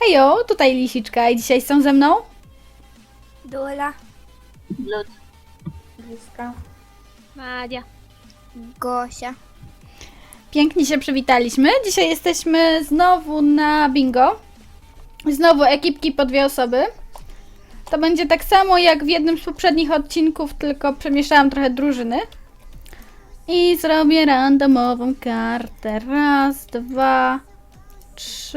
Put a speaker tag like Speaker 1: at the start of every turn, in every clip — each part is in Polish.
Speaker 1: Hejo, tutaj Lisiczka i dzisiaj są ze mną
Speaker 2: Dola,
Speaker 3: Lud.
Speaker 2: Bliska,
Speaker 3: Madia.
Speaker 2: Gosia.
Speaker 1: Pięknie się przywitaliśmy. Dzisiaj jesteśmy znowu na bingo. Znowu ekipki po 2 osoby. To będzie tak samo jak w jednym z poprzednich odcinków, tylko przemieszałam trochę drużyny. I zrobię randomową kartę. 1, 2, 3,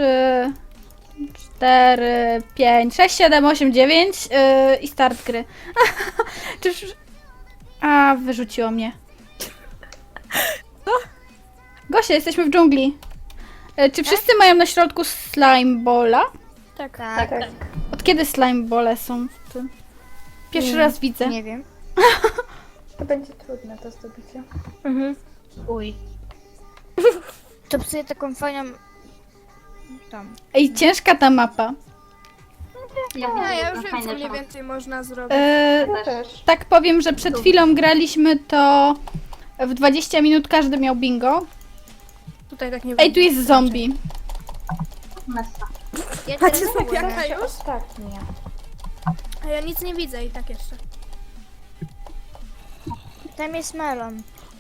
Speaker 1: 4, 5, 6, 7, 8, 9 i start gry. Czyż... A, wyrzuciło mnie. Gosia, jesteśmy w dżungli. Czy wszyscy mają na środku slime balla?
Speaker 2: Tak.
Speaker 1: Od kiedy slime bole są w tym? Pierwszy raz widzę.
Speaker 2: Nie wiem.
Speaker 4: To będzie trudne do zdobycia.
Speaker 3: Uj.
Speaker 2: To psuje taką fajną... Tam.
Speaker 1: Ej, ciężka ta mapa.
Speaker 4: Ja już wiem, co mniej więcej można zrobić.
Speaker 1: Ja
Speaker 4: też.
Speaker 1: tak powiem, że przed chwilą graliśmy to w 20 minut każdy miał bingo.
Speaker 4: Tutaj tak nie
Speaker 1: Ej, tu jest zombie.
Speaker 3: Messa.
Speaker 2: Ja
Speaker 4: Macie
Speaker 2: teraz
Speaker 4: zombiaka
Speaker 2: mogę.
Speaker 4: już?
Speaker 5: Ostatnie.
Speaker 4: A ja nic nie widzę i tak jeszcze.
Speaker 2: Tam jest melon.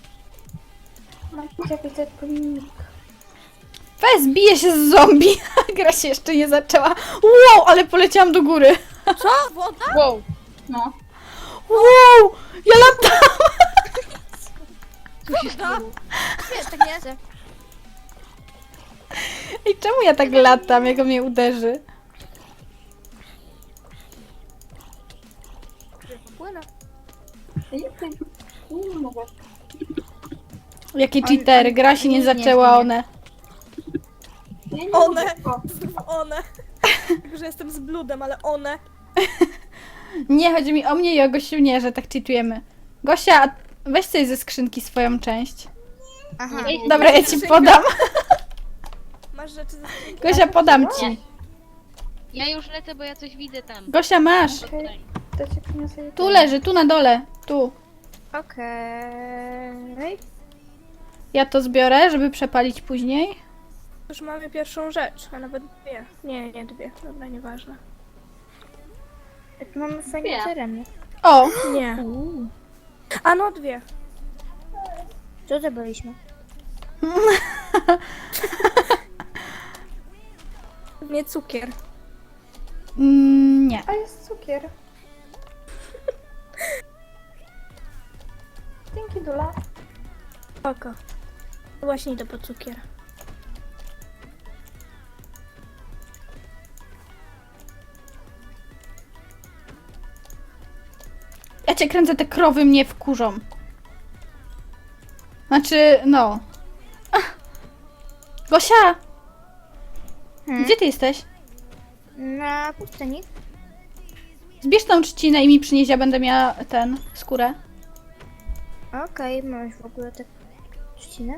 Speaker 5: Ja widzę plik.
Speaker 1: Weź, bije się z zombie. Gra się jeszcze nie zaczęła. Wow, ale poleciałam do góry.
Speaker 4: Co? Woda?
Speaker 3: Wow. No.
Speaker 1: Wow, ja latam.
Speaker 4: Woda?
Speaker 2: Wiesz, tak nie chcę.
Speaker 1: Ej, czemu ja tak latam, jak on mnie uderzy?
Speaker 4: Płynę.
Speaker 3: Nie mogę.
Speaker 1: Jakie cheatery, gra się nie zaczęła, one.
Speaker 3: Ja nie
Speaker 4: One.
Speaker 3: mogę.
Speaker 4: Znów one. Tylko, że jestem z bludem, ale one.
Speaker 1: Nie, chodzi mi o mnie i o Gosiu, nie, że tak cheatujemy. Gosia, weź sobie ze skrzynki swoją część.
Speaker 2: Aha.
Speaker 1: Dobra, ja ci podam.
Speaker 4: Masz rzeczy ze skrzynki?
Speaker 1: Gosia, podam ci.
Speaker 3: Ja już lecę, bo ja coś widzę tam.
Speaker 1: Gosia, masz.
Speaker 3: Tutaj.
Speaker 5: To ci przyniosę
Speaker 1: Tu leży, tu na dole. Tu.
Speaker 2: Okej.
Speaker 1: Ja to zbiorę, żeby przepalić później.
Speaker 4: Już mamy pierwszą rzecz, a nawet dwie. Nie, dwie. Dobra, nieważne.
Speaker 2: Tu mamy fajny
Speaker 3: Nie.
Speaker 2: teren.
Speaker 1: O,
Speaker 4: Nie. A no dwie.
Speaker 2: Co zdobyliśmy?
Speaker 4: Nie cukier.
Speaker 1: Nie.
Speaker 5: A jest cukier. Dzięki, Dula.
Speaker 4: Oko. Właśnie idę po cukier.
Speaker 1: Ja cię kręcę, te krowy mnie wkurzą. Znaczy, no. Ach. Gosia! Gdzie ty jesteś?
Speaker 2: Na pustyni.
Speaker 1: Zbierz tą trzcinę i mi przynieś, ja będę miała skórę.
Speaker 2: Okej, masz w ogóle tak trzcinę.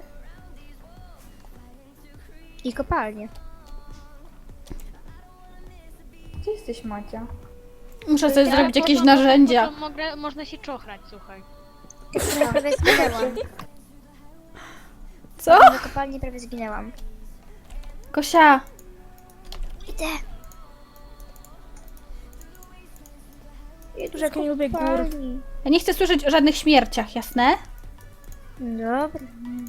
Speaker 2: I kopalnię.
Speaker 5: Gdzie jesteś, Macia?
Speaker 1: Muszę sobie zrobić
Speaker 3: Po
Speaker 1: jakieś
Speaker 3: to-
Speaker 1: narzędzia.
Speaker 3: po to można się czochrać, słuchaj.
Speaker 2: Prawie zginęłam.
Speaker 1: Co?
Speaker 2: Na kopalni prawie zginęłam.
Speaker 1: Gosia!
Speaker 2: Idę.
Speaker 4: Że jak nie lubię gór.
Speaker 2: Kopalni.
Speaker 1: Ja nie chcę słyszeć o żadnych śmierciach, jasne?
Speaker 2: Dobra.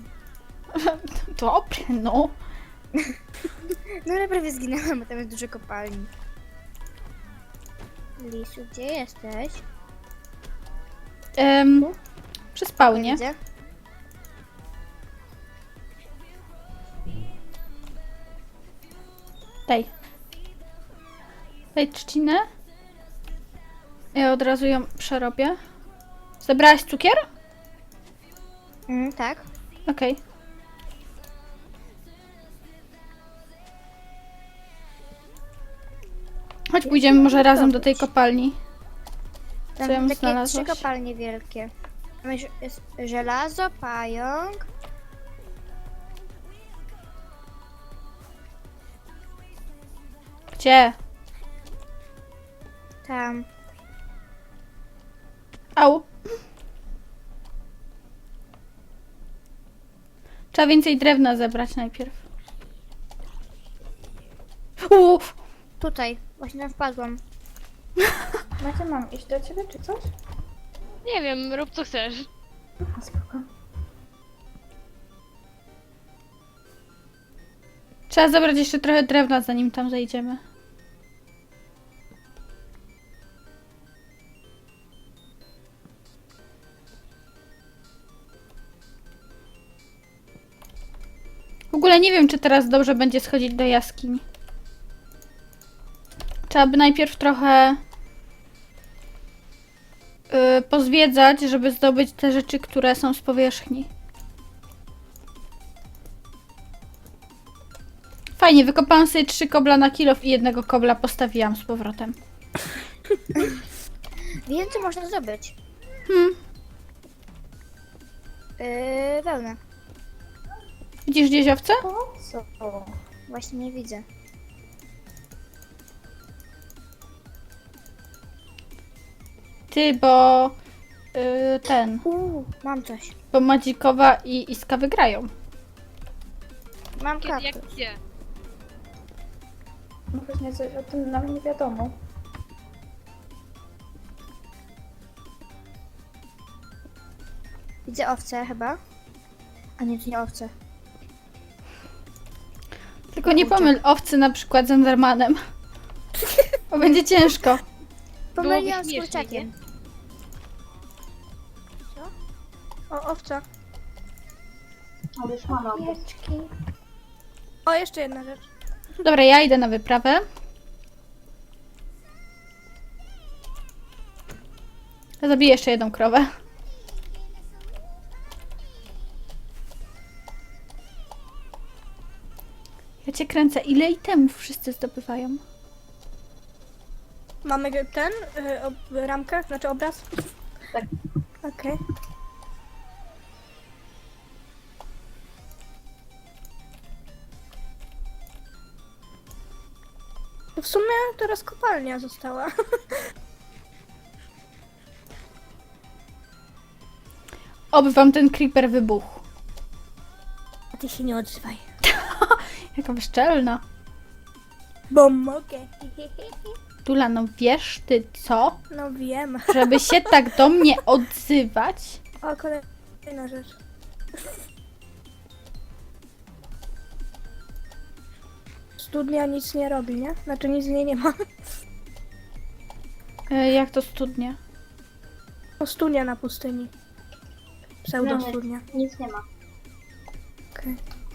Speaker 1: Dobre, no.
Speaker 2: No ale prawie zginęłam, bo tam jest dużo kopalni. Lisu, gdzie jesteś?
Speaker 1: Przy spawnie.
Speaker 2: Widzę.
Speaker 1: Daj. Daj trzcinę. Ja od razu ją przerobię. Zebrałaś cukier?
Speaker 2: Tak.
Speaker 1: Okej. Chodź, pójdziemy może razem do tej kopalni.
Speaker 2: Tam
Speaker 1: Co ją
Speaker 2: takie
Speaker 1: znalazłaś?
Speaker 2: 3 kopalnie wielkie. Tam jest żelazo, pająk.
Speaker 1: Gdzie?
Speaker 2: Tam.
Speaker 1: Au. Trzeba więcej drewna zebrać najpierw.
Speaker 2: Tutaj, właśnie tam wpadłam.
Speaker 5: Macia, mam iść do ciebie czy coś?
Speaker 3: Nie wiem, rób co chcesz.
Speaker 5: A, spoko.
Speaker 1: Trzeba zabrać jeszcze trochę drewna, zanim tam zejdziemy. W ogóle nie wiem, czy teraz dobrze będzie schodzić do jaskiń. Trzeba by najpierw trochę pozwiedzać, żeby zdobyć te rzeczy, które są z powierzchni. Fajnie, wykopałam sobie 3 kobla na kilof i jednego kobla postawiłam z powrotem.
Speaker 2: Więcej można zdobyć. Wełnę.
Speaker 1: Widzisz gdzieś owce?
Speaker 5: Po co?
Speaker 2: Właśnie nie widzę.
Speaker 1: Ty, bo
Speaker 2: Mam coś.
Speaker 1: bo Madzikowa i Iska wygrają.
Speaker 2: Mam
Speaker 3: Kiedy, jak
Speaker 2: kaktus.
Speaker 3: gdzie?
Speaker 5: No właśnie coś o tym nam nie wiadomo.
Speaker 2: Widzę owce chyba. A nie, to nie owce.
Speaker 1: Tylko nie pomyl owcy na przykład z Endermanem. Bo będzie ciężko.
Speaker 2: Pomyliłam z
Speaker 3: śmiesznie,
Speaker 2: kurczakiem.
Speaker 4: O, owca.
Speaker 5: Pieczki.
Speaker 4: O, jeszcze jedna rzecz.
Speaker 1: Dobra, ja idę na wyprawę. Zabiję jeszcze jedną krowę. Ja cię kręcę. Ile itemów wszyscy zdobywają?
Speaker 4: Mamy ten, ramkę, znaczy obraz?
Speaker 5: Tak.
Speaker 4: Okej. W sumie teraz kopalnia została.
Speaker 1: Oby wam ten creeper wybuchł.
Speaker 4: A ty się nie odzywaj.
Speaker 1: Jaka bezczelna.
Speaker 4: Bo mogę.
Speaker 1: Dula, no wiesz ty co?
Speaker 4: No wiem.
Speaker 1: Żeby się tak do mnie odzywać?
Speaker 4: O, kolejna rzecz. Studnia nic nie robi, nie? Znaczy nic z niej nie ma.
Speaker 1: Jak to studnie?
Speaker 4: O, studnia na pustyni. Pseudo studnia.
Speaker 2: Nic nie ma.
Speaker 4: Okej.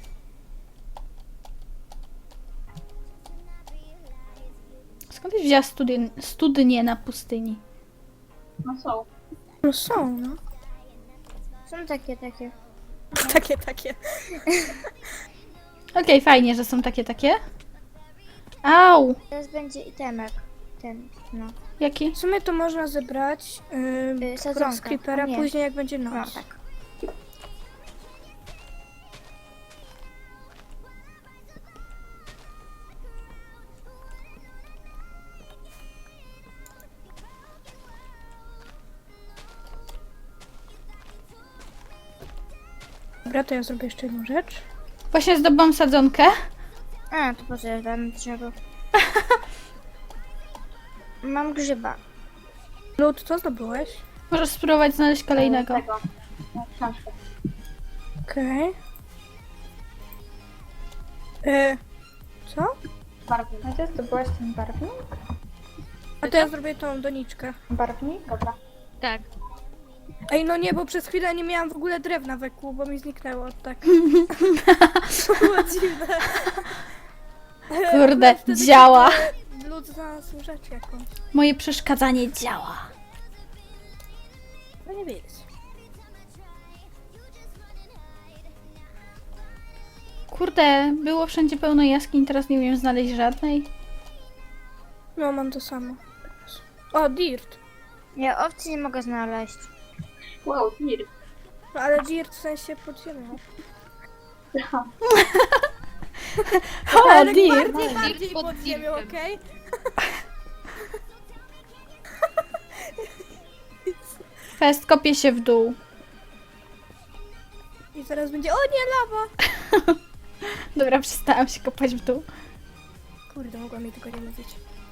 Speaker 1: Skąd byś wzięła studnie na pustyni?
Speaker 4: No są, no.
Speaker 2: Są takie.
Speaker 4: Takie.
Speaker 1: Okej, fajnie, że są takie. Au!
Speaker 2: Teraz będzie itemek. Ten, no.
Speaker 1: Jaki?
Speaker 4: W sumie to można zebrać
Speaker 2: sadzonka.
Speaker 4: z creepera
Speaker 2: A nie.
Speaker 4: później jak będzie
Speaker 2: No,
Speaker 4: noc.
Speaker 2: tak.
Speaker 4: Dobra, to ja zrobię jeszcze jedną rzecz.
Speaker 1: Właśnie zdobyłam sadzonkę.
Speaker 2: A, to po co ja dam drzewo? Mam grzyba.
Speaker 4: Lud, co zdobyłeś?
Speaker 1: Możesz spróbować znaleźć kolejnego.
Speaker 4: Okej. Co?
Speaker 5: Macia, zdobyłaś ten barwnik?
Speaker 4: A to ja zrobię tą doniczkę.
Speaker 5: Barwnik? Dobra.
Speaker 3: Tak.
Speaker 4: Ej, no nie, bo przez chwilę nie miałam w ogóle drewna we kół, bo mi zniknęło, tak. To było dziwne.
Speaker 1: Kurde,
Speaker 4: Wtedy
Speaker 1: działa.
Speaker 4: Lud znalazł rzecz jakąś.
Speaker 1: Moje przeszkadzanie działa.
Speaker 4: No nie wiedzieć.
Speaker 1: Kurde, było wszędzie pełno jaskiń, teraz nie umiem znaleźć żadnej.
Speaker 4: No, mam to samo. O, dirt.
Speaker 2: Ja owcy nie mogę znaleźć.
Speaker 3: Wow, mir.
Speaker 4: No, ale dirt w sensie pod ziemią.
Speaker 1: O,
Speaker 4: Ale
Speaker 1: dear.
Speaker 4: bardziej
Speaker 3: pod
Speaker 4: pod ziemią,
Speaker 3: dirtem.
Speaker 4: okej?
Speaker 1: Fest, kopię się w dół.
Speaker 4: I zaraz będzie, o nie, lawa!
Speaker 1: Dobra, przestałam się kopać w dół.
Speaker 4: Kurde, mogłam mi tego nie mówić.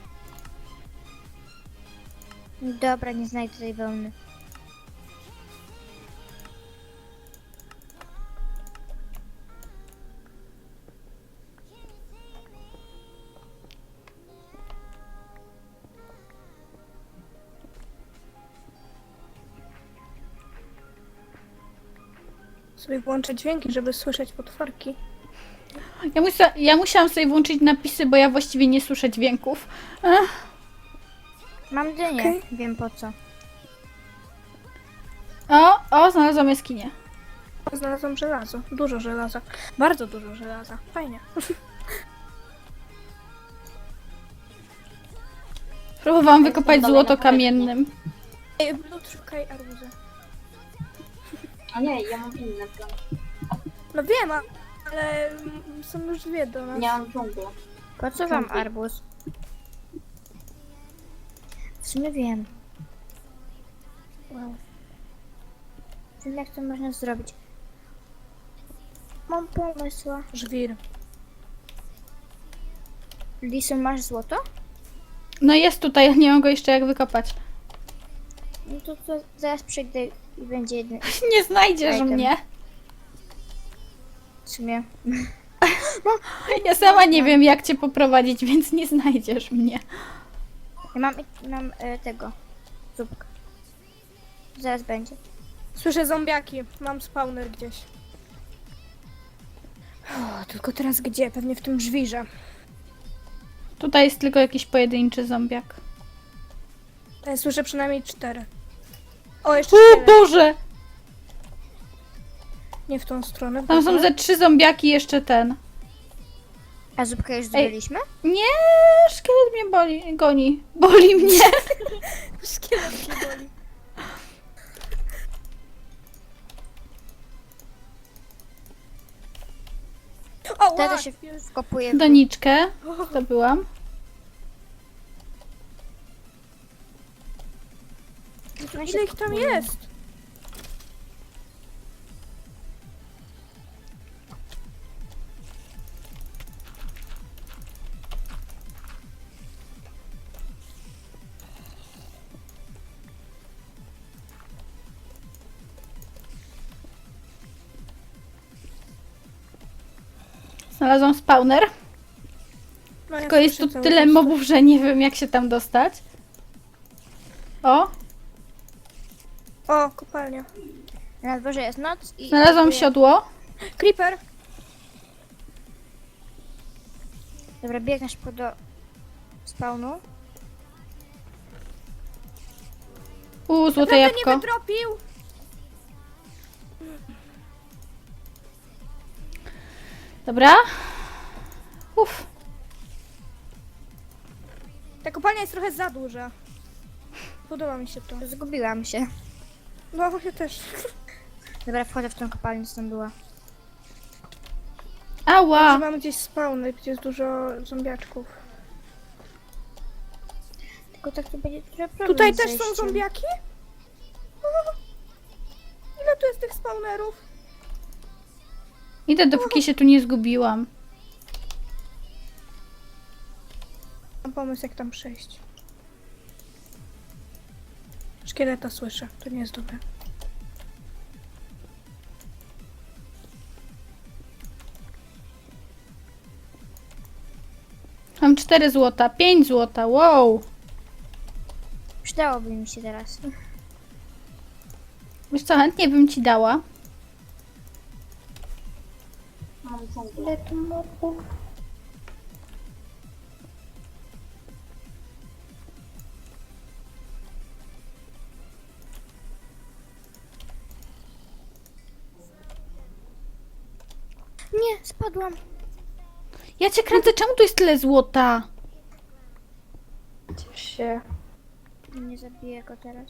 Speaker 2: Dobra, nie znajdę tej wełny.
Speaker 4: Sobie włączę dźwięki, żeby słyszeć potworki.
Speaker 1: Ja musiałam sobie włączyć napisy, bo ja właściwie nie słyszę dźwięków.
Speaker 2: Mam dynię,
Speaker 4: Okej.
Speaker 2: wiem po co.
Speaker 1: O, znalazłam jaskinię.
Speaker 4: Znalazłam żelazo. Dużo żelaza. Bardzo dużo żelaza. Fajnie.
Speaker 1: Próbowałam wykopać
Speaker 5: dalej
Speaker 1: złoto
Speaker 5: na powierzchni.
Speaker 1: kamiennym.
Speaker 4: Ej, Blut, szukaj arbuza.
Speaker 5: A nie, ja mam inny plan.
Speaker 4: No wiem, ale są już dwie do nas.
Speaker 5: Nie mam dżunglę.
Speaker 2: Po co wam
Speaker 5: Dzięki.
Speaker 2: arbuz? W sumie wiem.
Speaker 4: Wow.
Speaker 2: Wiem jak to można zrobić. Mam pomysł.
Speaker 4: Żwir.
Speaker 2: Lisu, masz złoto?
Speaker 1: No jest tutaj, ja nie mam go jeszcze jak wykopać.
Speaker 2: No to zaraz przyjdę i będzie jeden.
Speaker 1: Nie znajdziesz
Speaker 2: Item.
Speaker 1: mnie.
Speaker 2: W sumie.
Speaker 1: Ja sama nie wiem jak cię poprowadzić, więc nie znajdziesz mnie.
Speaker 2: Ja mam tego. Zupkę. Zaraz będzie.
Speaker 4: Słyszę zombiaki. Mam spawner gdzieś. O, tylko teraz gdzie? Pewnie w tym żwirze.
Speaker 1: Tutaj jest tylko jakiś pojedynczy zombiak.
Speaker 4: Ja słyszę przynajmniej 4. O, jeszcze
Speaker 1: O
Speaker 4: 4.
Speaker 1: Boże!
Speaker 4: Nie w tą stronę.
Speaker 1: Tam są
Speaker 4: dobra.
Speaker 1: ze 3 zombiaki jeszcze ten.
Speaker 2: A zupkę już zdobyliśmy?
Speaker 1: Nie, szkielet mnie goni. Boli mnie.
Speaker 4: Szkielet mnie boli. O,
Speaker 2: Wtedy
Speaker 4: wow.
Speaker 2: się wkopuje w
Speaker 1: Doniczkę zdobyłam.
Speaker 4: Ile ich tam jest?
Speaker 1: Znalazłam spawner.
Speaker 4: No, ja
Speaker 1: Tylko jest tu
Speaker 4: słyszę cały
Speaker 1: tyle
Speaker 4: czas.
Speaker 1: mobów, że nie wiem jak się tam dostać. O,
Speaker 4: O, kopalnia.
Speaker 2: Na dworze jest noc i...
Speaker 1: znalazłam
Speaker 2: wkopuję-
Speaker 1: siodło.
Speaker 4: Creeper.
Speaker 2: Dobra, biegnę szybko do spawnu.
Speaker 1: Złote
Speaker 4: Naprawdę nie
Speaker 1: jabłko.
Speaker 4: wytropił.
Speaker 1: Dobra. Uff.
Speaker 4: Ta kopalnia jest trochę za duża. Podoba mi się to.
Speaker 2: Zgubiłam się.
Speaker 4: No, ja też.
Speaker 2: Dobra, wchodzę w tą kopalnię, co tam była.
Speaker 1: Ała.
Speaker 4: Mamy gdzieś spawny, gdzie jest dużo zombiaczków.
Speaker 2: Tylko tak to będzie trochę problem
Speaker 4: Tutaj
Speaker 2: z
Speaker 4: też są
Speaker 2: zejściem.
Speaker 4: zombiaki? O, ile tu jest tych spawnerów?
Speaker 1: Idę dopóki się tu nie zgubiłam.
Speaker 4: Mam pomysł, jak tam przejść. Szkieleta słyszę, to nie jest dobre.
Speaker 1: Mam 4 złota, 5 złota, wow.
Speaker 2: Przydałoby mi się teraz.
Speaker 1: Wiesz co, chętnie bym ci dała.
Speaker 5: Mam dżunglę.
Speaker 2: Ile tu mopów? Nie, spadłam.
Speaker 1: Ja cię kręcę, czemu tu jest tyle złota?
Speaker 5: Ciesz się.
Speaker 2: Nie zabiję go teraz.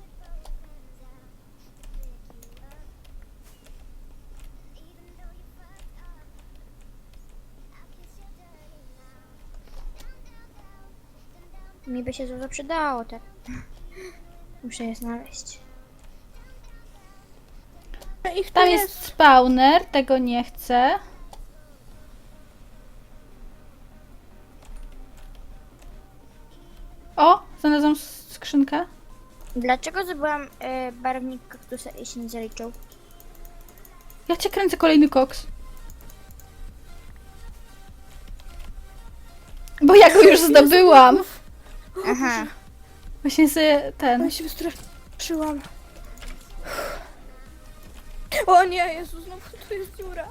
Speaker 2: Mi by się to przydało, tak. Muszę je znaleźć.
Speaker 4: Ich tu
Speaker 1: Tam jest spawner, tego nie chcę. Znalazłam skrzynkę.
Speaker 2: Dlaczego zdobyłam barwnik kaktusa i się nie zaliczył?
Speaker 1: Ja cię kręcę, kolejny koks. Bo ja go już zdobyłam.
Speaker 2: Aha.
Speaker 1: Właśnie sobie ten...
Speaker 4: Ja się wystraszyłam. O nie, Jezu, znowu tu jest dziura.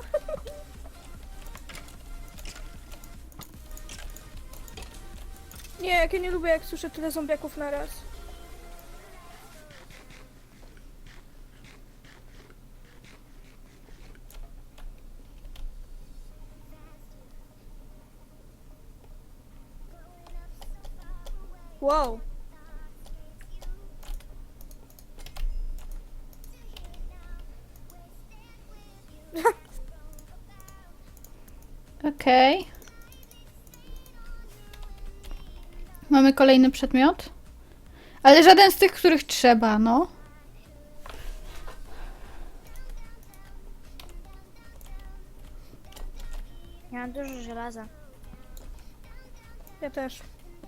Speaker 4: Nie, jak ja nie lubię, jak słyszę tyle zombiaków na raz. Wow.
Speaker 1: Okej. Mamy kolejny przedmiot. Ale żaden z tych, których trzeba, no.
Speaker 2: Ja mam dużo żelaza.
Speaker 4: Ja też.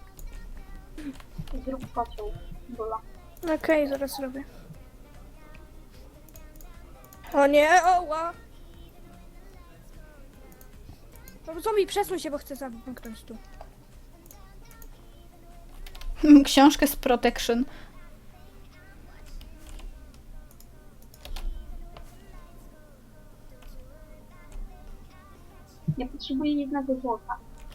Speaker 3: Zrób kocioł. Bola.
Speaker 4: Okej, zaraz robię. O nie, oła! No zombie, przesuń się, bo chcę zamknąć tu.
Speaker 1: Książkę z Protection.
Speaker 3: Ja potrzebuję jednego złota.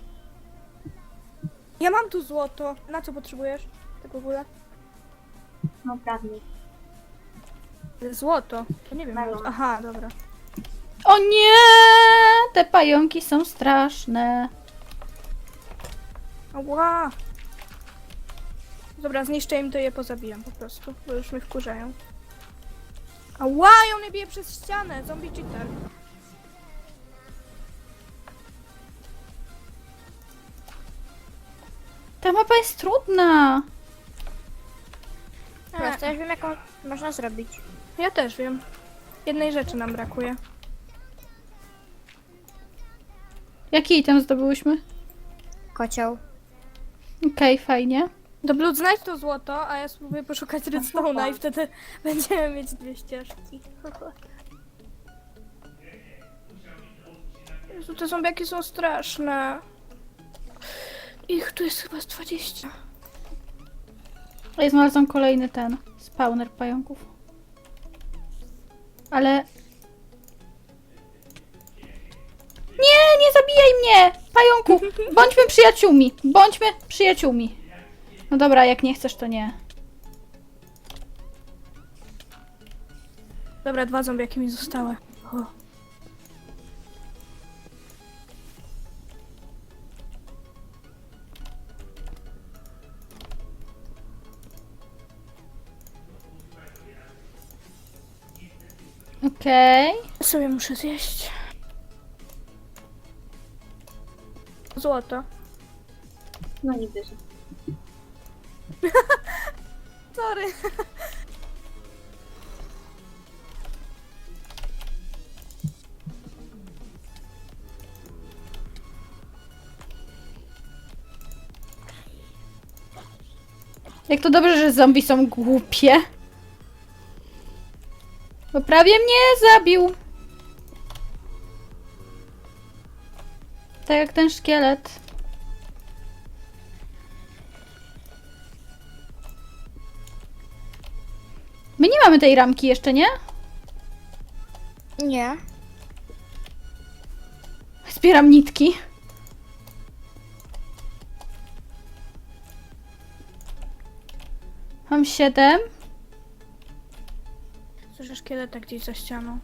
Speaker 4: Ja mam tu złoto. Na co potrzebujesz? Tak w ogóle?
Speaker 3: No prawie.
Speaker 4: Złoto. To nie wiem.
Speaker 3: Melon.
Speaker 4: Aha, dobra.
Speaker 1: O nie! Te pająki są straszne.
Speaker 4: Ała! Dobra, zniszczę im to je pozabijam po prostu, bo już mnie wkurzają. Ała, ją mnie bije przez ścianę! Zombie cheater.
Speaker 1: Ta mapa jest trudna.
Speaker 2: Prosto, już wiem jaką można zrobić.
Speaker 4: Ja też wiem. Jednej rzeczy nam brakuje.
Speaker 1: Jaki item zdobyłyśmy?
Speaker 2: Kocioł.
Speaker 1: Okej, fajnie.
Speaker 4: Do Blood znajdź to złoto, a ja spróbuję poszukać redstone'a i wtedy będziemy mieć dwie ścieżki. Jezu, te zombiaki są straszne. Ich tu jest chyba z 20.
Speaker 1: Ja znalazłam kolejny ten spawner pająków. Ale... Nie, nie zabijaj mnie! Pająku! Bądźmy przyjaciółmi! Bądźmy przyjaciółmi! No dobra, jak nie chcesz, to nie.
Speaker 4: Dobra, dwa zombiaki mi zostały. O.
Speaker 1: Okej.
Speaker 4: Sobie muszę zjeść. Złoto.
Speaker 3: No nie wierzę.
Speaker 4: Sorry.
Speaker 1: Jak to dobrze, że zombie są głupie. Bo prawie mnie zabił. Tak jak ten szkielet. My nie mamy tej ramki jeszcze, nie?
Speaker 2: Nie.
Speaker 1: Zbieram nitki. Mam 7.
Speaker 4: Słyszę szkieleta gdzieś za ścianą.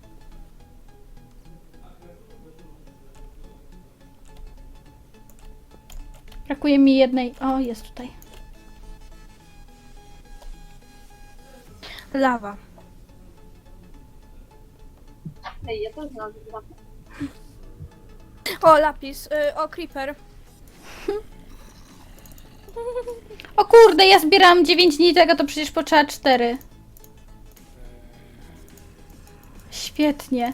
Speaker 1: Brakuje mi jednej. O, jest tutaj.
Speaker 4: Lawa.
Speaker 3: Ej, ja też znalazłem lawę.
Speaker 4: O, lapis. O, creeper.
Speaker 1: O kurde, ja zbierałam 9 nitek, a to przecież potrzeba 4. Świetnie.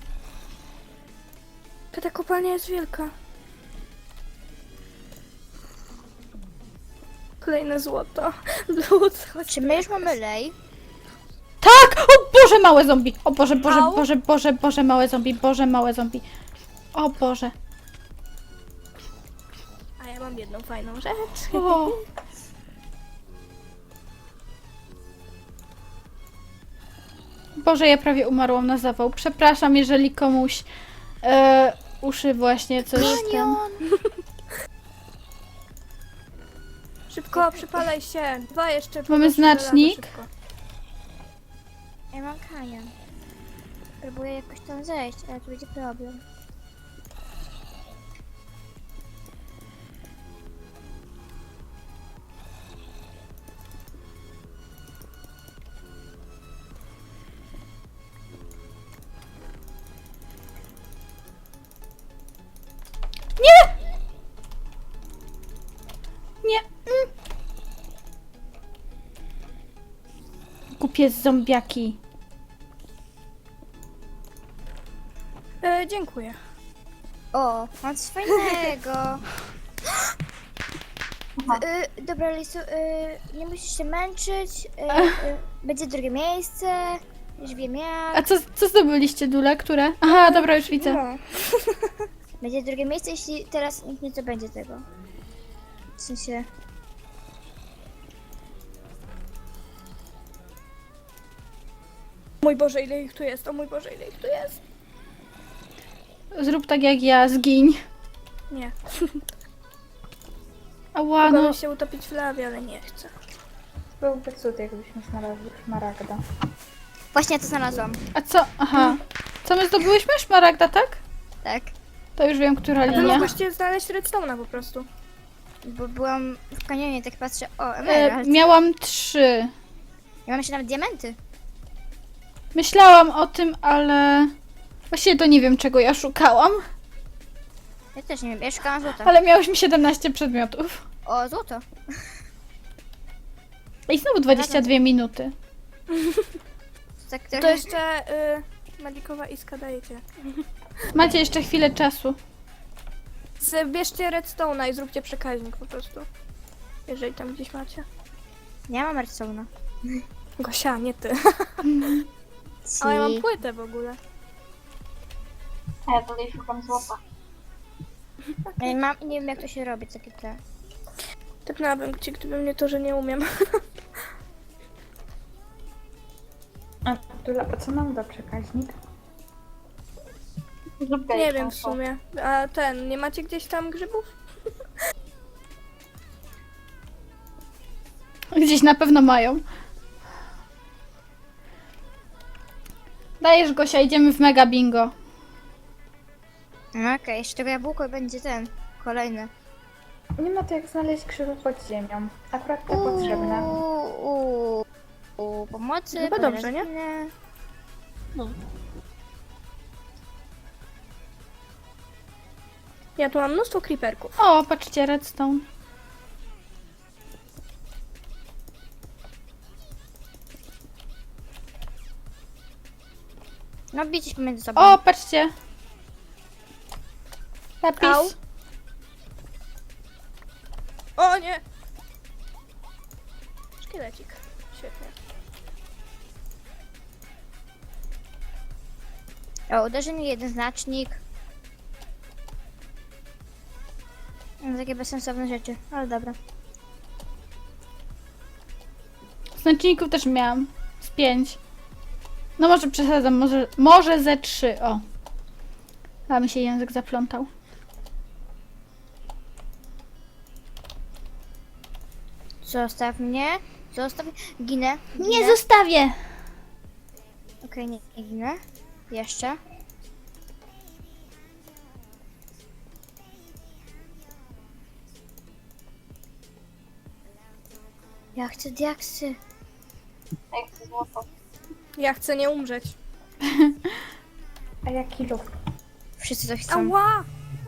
Speaker 4: Ta kopalnia jest wielka. Kolejne złoto. Lód, chodź.
Speaker 2: Czy my już mamy lej?
Speaker 1: Tak! O Boże, małe zombie! O Boże, Boże,
Speaker 4: Au.
Speaker 1: Boże, Boże, Boże, małe zombie, Boże, małe zombie. O Boże.
Speaker 4: A ja mam jedną fajną rzecz.
Speaker 1: O. Boże, ja prawie umarłam na zawał. Przepraszam, jeżeli komuś uszy właśnie coś tam...
Speaker 4: Szybko, przypalaj się. Dwa jeszcze.
Speaker 1: Mamy
Speaker 4: poproszę żelazo,
Speaker 1: znacznik.
Speaker 4: szybko.
Speaker 2: Ja mam kamień. Próbuję jakoś tam zejść, ale tu będzie problem.
Speaker 1: Nie! Głupie zombiaki.
Speaker 4: Dziękuję.
Speaker 2: O, mam coś fajnego.
Speaker 3: Aha.
Speaker 2: Dobra, Lisu, nie musisz się męczyć. Będzie drugie miejsce. Już wiem jak.
Speaker 1: A co zdobyliście, Dule? Które? Aha, dobra, już widzę.
Speaker 2: No. Będzie drugie miejsce, jeśli teraz nikt nie zdobędzie tego. W sensie...
Speaker 4: Mój Boże, ile ich tu jest? O mój Boże, ile ich tu jest?
Speaker 1: Zrób tak jak ja, zgiń.
Speaker 4: Nie.
Speaker 1: Ała, no.
Speaker 4: Mogłabym się utopić w lawie, ale nie chcę.
Speaker 5: Byłby cud, jakbyśmy znalazły szmaragda.
Speaker 2: Właśnie to znalazłam.
Speaker 1: A co? Aha. Co my zdobyłyśmy? Szmaragda, tak?
Speaker 2: Tak.
Speaker 1: To już wiem, która
Speaker 4: A wy
Speaker 1: linia.
Speaker 4: mogłyście znaleźć redstone'a po prostu.
Speaker 2: Bo byłam w kanionie, tak patrzę. O, emerald.
Speaker 1: Miałam 3.
Speaker 2: Ja mam jeszcze nawet diamenty.
Speaker 1: Myślałam o tym, ale... Właściwie to nie wiem, czego ja szukałam.
Speaker 2: Ja też nie wiem, ja szukałam złota.
Speaker 1: Ale miałyśmy 17 przedmiotów.
Speaker 2: O, złoto.
Speaker 1: I znowu 22 minuty.
Speaker 2: Tak
Speaker 4: To
Speaker 2: trochę...
Speaker 4: jeszcze Malikowa Iska dajecie.
Speaker 1: Macie jeszcze chwilę czasu.
Speaker 4: Bierzcie redstone'a i zróbcie przekaźnik po prostu. Jeżeli tam gdzieś macie.
Speaker 2: Nie mam redstone'a.
Speaker 4: Gosia, nie ty. Ale ja mam płytę w ogóle.
Speaker 3: A ja tutaj szukam złota.
Speaker 2: Ja mam i nie wiem jak to się robi, takie te...
Speaker 4: Typnęłabym ci, gdyby mnie to, że nie umiem.
Speaker 5: A Dula, a co nam da przekaźnik?
Speaker 3: Zrób
Speaker 4: Nie
Speaker 3: gejkę,
Speaker 4: wiem w sumie. A nie macie gdzieś tam grzybów?
Speaker 1: Gdzieś na pewno mają. Dajesz, Gosia, idziemy w mega bingo.
Speaker 2: No okej, jeszcze tego jabłko będzie ten. Kolejny.
Speaker 5: Nie ma to jak znaleźć grzyby pod ziemią. Akurat to potrzebne.
Speaker 2: Pomocy.
Speaker 4: Chyba dobrze, nie?
Speaker 2: parazyny.
Speaker 4: Ja tu mam mnóstwo creeperków.
Speaker 1: O, patrzcie, redstone.
Speaker 2: No bijcie się pomiędzy sobą.
Speaker 1: O, patrzcie. Lapis.
Speaker 4: Au. O nie! Szkielecik. Świetnie.
Speaker 2: O, uderzenie jeden znacznik. No, takie bezsensowne rzeczy, ale dobra.
Speaker 1: Znaczników też miałam. Z 5. No może przesadzam, może ze 3. O. A mi się język zaplątał.
Speaker 2: Zostaw mnie. Zostaw. Ginę.
Speaker 1: Nie zostawię!
Speaker 2: Okej, nie ginę. Jeszcze. Ja chcę diaksy.
Speaker 3: A jak chcę złoto.
Speaker 4: Ja chcę nie umrzeć.
Speaker 5: A jaki lód?
Speaker 2: Wszyscy to chcą.
Speaker 4: Ała!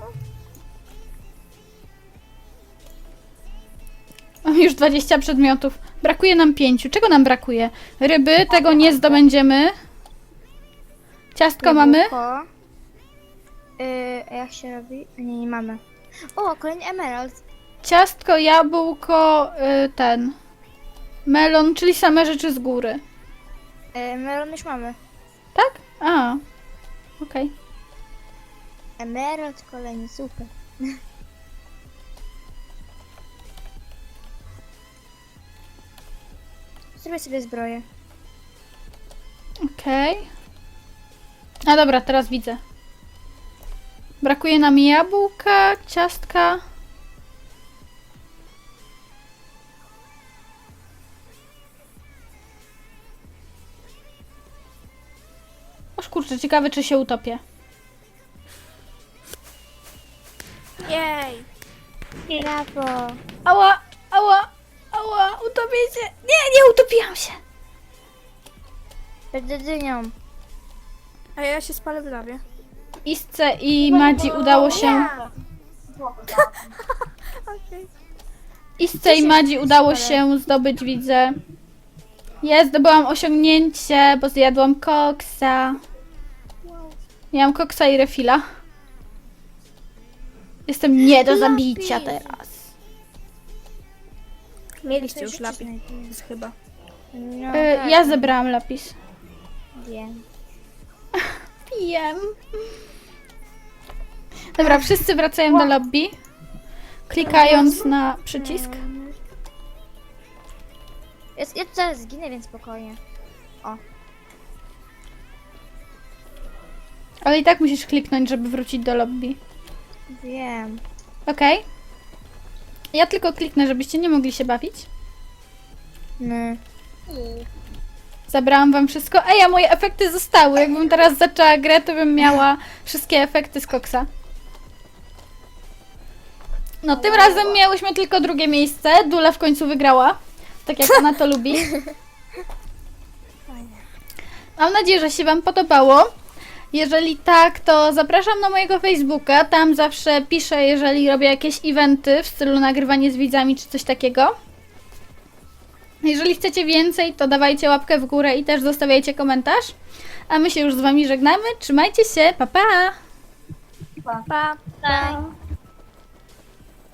Speaker 1: Mam już 20 przedmiotów. Brakuje nam 5. Czego nam brakuje? Ryby, tego nie zdobędziemy. Ciastko mamy?
Speaker 2: Jabłko. A jak się robi? Nie mamy. O, kolejny emerald.
Speaker 1: ciastko, jabłko, ten. Melon, czyli same rzeczy z góry.
Speaker 2: Melon już mamy.
Speaker 1: Tak? A. Okej.
Speaker 2: Emerald, kolejny, super. Zrobię sobie zbroję.
Speaker 1: Okej. A dobra, teraz widzę. Brakuje nam jabłka, ciastka. Oż kurczę, ciekawe czy się utopię.
Speaker 4: Jej!
Speaker 2: Brawo.
Speaker 1: Ała, ała, ała, utopię się. Nie, nie utopiłam się.
Speaker 2: Będę dynią.
Speaker 4: A ja się spalę w lawie.
Speaker 1: Isce i Madzi udało się...
Speaker 3: Złoto znalazłam.
Speaker 4: Okej.
Speaker 1: Isce i Madzi udało się zdobyć, widzę. Zdobyłam osiągnięcie, bo zjadłam koksa. Miałam koksa i refila. Jestem nie do zabicia teraz.
Speaker 4: Mieliście już lapis chyba.
Speaker 2: No,
Speaker 1: Ja zebrałam lapis.
Speaker 2: wiem.
Speaker 1: Wiem. Dobra, wszyscy wracają do lobby. Klikając na przycisk.
Speaker 2: Ja tu zaraz zginę, więc spokojnie.
Speaker 1: Ale i tak musisz kliknąć, żeby wrócić do lobby.
Speaker 2: Wiem.
Speaker 1: Okej. Ja tylko kliknę, żebyście nie mogli się bawić.
Speaker 2: No.
Speaker 1: Zabrałam wam wszystko. Ej, a moje efekty zostały. Jakbym teraz zaczęła grę, to bym miała wszystkie efekty z koksa. No, tym razem miałyśmy tylko drugie miejsce. Dula w końcu wygrała. Tak jak ona to lubi. Mam nadzieję, że się wam podobało. Jeżeli tak, to zapraszam na mojego Facebooka. Tam zawsze piszę, jeżeli robię jakieś eventy w stylu nagrywanie z widzami czy coś takiego. Jeżeli chcecie więcej, to dawajcie łapkę w górę i też zostawiajcie komentarz. A my się już z wami żegnamy. Trzymajcie się, pa pa!
Speaker 4: Pa!
Speaker 2: Tak.